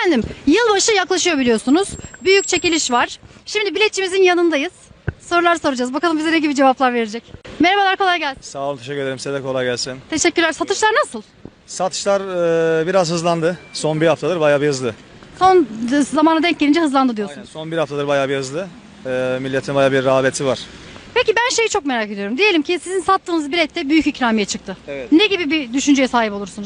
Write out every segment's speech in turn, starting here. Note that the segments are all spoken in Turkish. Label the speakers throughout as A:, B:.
A: Efendim, yılbaşı yaklaşıyor biliyorsunuz. Büyük çekiliş var. Şimdi biletçimizin yanındayız. Sorular soracağız. Bakalım bize ne gibi cevaplar verecek. Merhabalar, kolay gelsin.
B: Sağ olun, teşekkür ederim. Size de kolay gelsin.
A: Teşekkürler. Satışlar nasıl?
B: Satışlar biraz hızlandı. Son bir haftadır bayağı bir hızlı.
A: Son zamana denk gelince hızlandı diyorsunuz.
B: Aynen, son bir haftadır bayağı bir hızlı. Milletin bayağı bir rağbeti var.
A: Peki ben şeyi çok merak ediyorum. Diyelim ki sizin sattığınız bilette büyük ikramiye çıktı.
B: Evet.
A: Ne gibi bir düşünceye sahip olursunuz?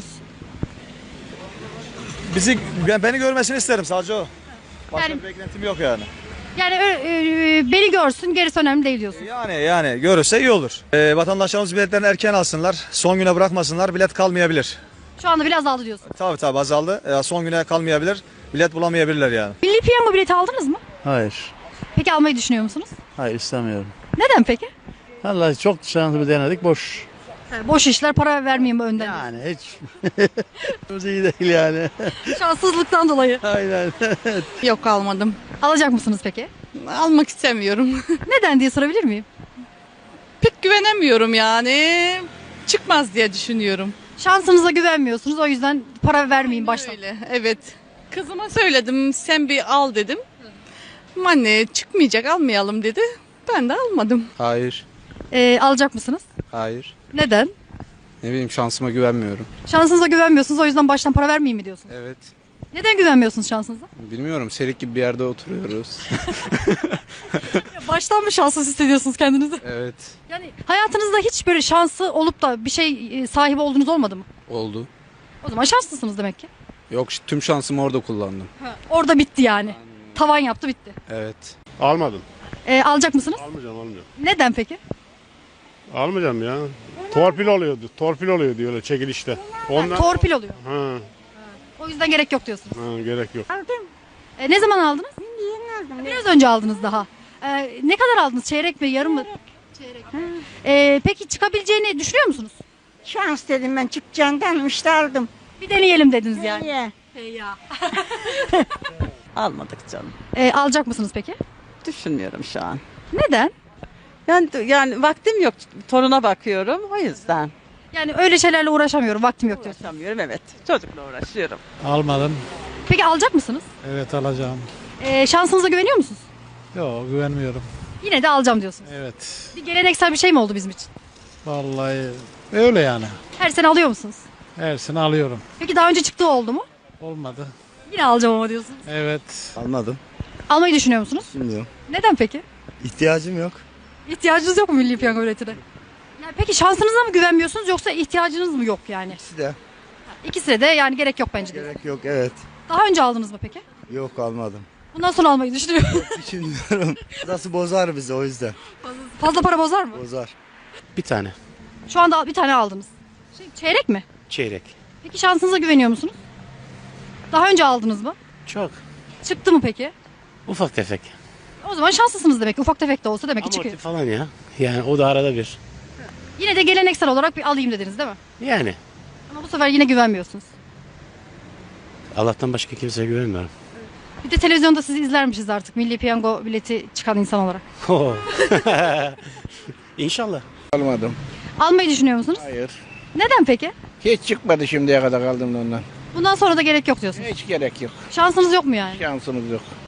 B: Beni görmesini isterim, sadece o. Başka
A: Yani-
B: bir beklentim yok yani.
A: Yani beni görsün, gerisi önemli değil diyorsun.
B: Yani görürse iyi olur. Vatandaşlarımız biletlerini erken alsınlar. Son güne bırakmasınlar. Bilet kalmayabilir.
A: Şu anda biraz aldı diyorsun.
B: Tabii azaldı. Son güne kalmayabilir. Bilet bulamayabilirler yani.
A: Milli Piyango bileti aldınız mı?
C: Hayır.
A: Peki almayı düşünüyor musunuz?
C: Hayır istemiyorum.
A: Neden peki?
C: Vallahi çok şansımı denedik boş.
A: Boş işler, para vermeyeyim önden.
C: Yani hiç. O iyi değil yani.
A: Şanssızlıktan dolayı.
C: Aynen.
D: Yok almadım.
A: Alacak mısınız peki?
D: Almak istemiyorum.
A: Neden diye sorabilir miyim?
D: Pek güvenemiyorum yani. Çıkmaz diye düşünüyorum.
A: Şansınıza güvenmiyorsunuz, o yüzden para vermeyin baştan.
D: Öyle, evet. Kızıma söyledim, sen bir al dedim. Ama anne çıkmayacak, almayalım dedi. Ben de almadım.
E: Hayır,
A: Alacak mısınız?
E: hayır.
A: Neden?
E: Ne bileyim şansıma güvenmiyorum.
A: Şansınıza güvenmiyorsunuz, o yüzden baştan para vermeyeyim mi diyorsunuz?
E: Evet.
A: Neden güvenmiyorsunuz şansınıza?
E: Bilmiyorum, serik gibi bir yerde oturuyoruz.
A: Baştan mı şanssız hissediyorsunuz kendinizi?
E: Evet,
A: Yani hayatınızda hiç böyle şansı olup da bir şey sahibi olduğunuz olmadı mı?
E: oldu.
A: O zaman şanslısınız demek ki.
E: Yok, tüm şansımı orada kullandım.
A: Orada bitti yani. Tavan yaptı, bitti.
E: Evet.
F: Almadım.
A: Alacak mısınız?
F: Almayacağım.
A: Neden peki?
F: Almayacağım ya. Torpil oluyor diyorlar çekilişte. Ondan
A: Torpil oluyor.
F: ha,
A: O yüzden gerek yok diyorsunuz.
F: gerek yok.
A: Ne zaman aldınız? Yeni aldım. Biraz önce aldınız daha. Ne kadar aldınız? Çeyrek mi, yarım mı? Çeyrek. Peki çıkabileceğini düşünüyor musunuz?
G: Şans dedim ben çıkacağından işte aldım.
A: Bir deneyelim dediniz yani.
G: Niye?
A: Ya.
H: Almadık canım.
A: Alacak mısınız peki?
H: Düşünmüyorum şu an.
A: Neden?
H: Yani vaktim yok. Toruna bakıyorum o yüzden.
A: Yani öyle şeylerle uğraşamıyorum, vaktim yok diyorsunuz.
H: Uğraşamıyorum evet. Çocukla uğraşıyorum.
C: Almadım.
A: Peki alacak mısınız?
C: Evet alacağım.
A: Şansınıza güveniyor musunuz?
C: Yok güvenmiyorum.
A: Yine de alacağım diyorsunuz.
C: Evet.
A: Bir geleneksel bir şey mi oldu bizim için?
C: Vallahi öyle yani.
A: Her sene alıyor musunuz?
C: Her sene alıyorum.
A: Peki daha önce çıktığı oldu mu?
C: Olmadı.
A: Yine alacağım ama diyorsunuz.
C: Evet.
I: Almadım.
A: Almayı düşünüyor musunuz?
I: Bilmiyorum.
A: Neden peki?
I: İhtiyacım yok.
A: İhtiyacınız yok mu Milli Piyango biletine? Yani peki şansınıza mı güvenmiyorsunuz yoksa ihtiyacınız mı yok yani?
I: İkisi de.
A: İkisine de yani gerek yok bence diyorsunuz.
I: Gerek yok evet.
A: Daha önce aldınız mı peki?
I: Yok almadım.
A: Bundan sonra almayı düşünüyorum.
I: Düşünmüyorum. Burası bozar bizi o yüzden.
A: Fazla para bozar mı?
I: Bozar.
E: Bir tane.
A: Şu anda bir tane aldınız. Çeyrek mi?
E: Çeyrek.
A: Peki şansınıza güveniyor musunuz? Daha önce aldınız mı?
E: Çok.
A: Çıktı mı peki?
E: Ufak tefek.
A: O zaman şanslısınız demek ki. Ufak tefek de olsa demek ki çıkıyor.
E: falan ya. Yani o da arada bir.
A: Yine de geleneksel olarak bir alayım dediniz değil mi?
E: Yani.
A: Ama bu sefer yine güvenmiyorsunuz.
E: Allah'tan başka kimseye güvenmiyorum.
A: Bir de televizyonda sizi izlermişiz artık. Milli Piyango bileti çıkan insan olarak.
E: İnşallah.
I: Almadım.
A: Almayı düşünüyor musunuz?
I: Hayır.
A: Neden peki?
I: Hiç çıkmadı şimdiye kadar kaldım da ondan.
A: Bundan sonra da gerek yok diyorsunuz.
I: Hiç gerek yok.
A: Şansınız yok mu yani?
I: Şansımız yok.